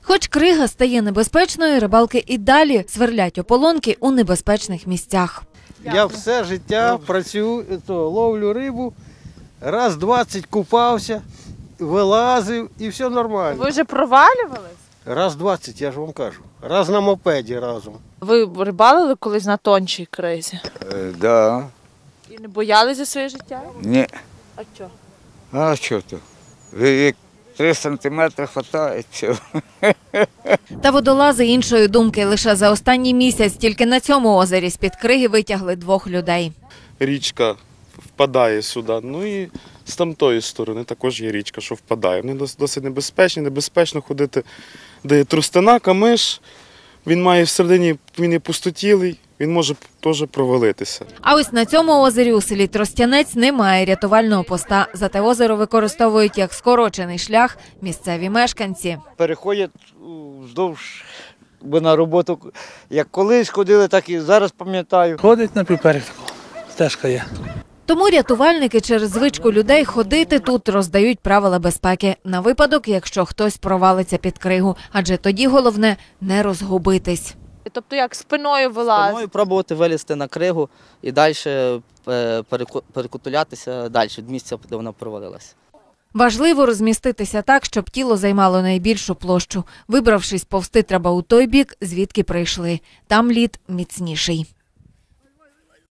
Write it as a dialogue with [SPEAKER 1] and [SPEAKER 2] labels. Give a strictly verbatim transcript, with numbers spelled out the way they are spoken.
[SPEAKER 1] Хоч крига стає небезпечною, рибалки і далі сверлять ополонки у небезпечних місцях.
[SPEAKER 2] Я все життя працюю, то, ловлю рибу, раз двадцять купався, вилазив і все нормально.
[SPEAKER 3] Ви вже провалювались?
[SPEAKER 2] Раз двадцять, я ж вам кажу. Раз на мопеді разом.
[SPEAKER 3] Ви рибалили колись на тончій кризі?
[SPEAKER 4] Е, да.
[SPEAKER 3] І не боялись за своє життя?
[SPEAKER 4] Ні.
[SPEAKER 3] А що?
[SPEAKER 4] А що то? Як три сантиметри хватає, все.
[SPEAKER 1] Та водолази іншої думки. Лише за останній місяць тільки на цьому озері з-під криги витягли двох людей.
[SPEAKER 5] Річка впадає сюди, ну і з тамтої сторони також є річка, що впадає. Вони досить небезпечні, небезпечно ходити, де є трустина, камиш, він має всередині, він є пустотілий, він може теж провалитися.
[SPEAKER 1] А ось на цьому озері у селі Тростянець немає рятувального поста. Зате озеро використовують як скорочений шлях місцеві мешканці.
[SPEAKER 6] Переходять вздовж, бо на роботу, як колись ходили, так і зараз пам'ятаю.
[SPEAKER 7] Ходить на півперек, стежка є.
[SPEAKER 1] Тому рятувальники через звичку людей ходити тут роздають правила безпеки на випадок, якщо хтось провалиться під кригу. Адже тоді головне не розгубитись.
[SPEAKER 3] Тобто як спиною вилазити?
[SPEAKER 8] Спиною пробувати вилізти на кригу і далі перекутулятися далі від місця, де вона провалилася.
[SPEAKER 1] Важливо розміститися так, щоб тіло займало найбільшу площу. Вибравшись повсти, треба у той бік, звідки прийшли. Там лід міцніший.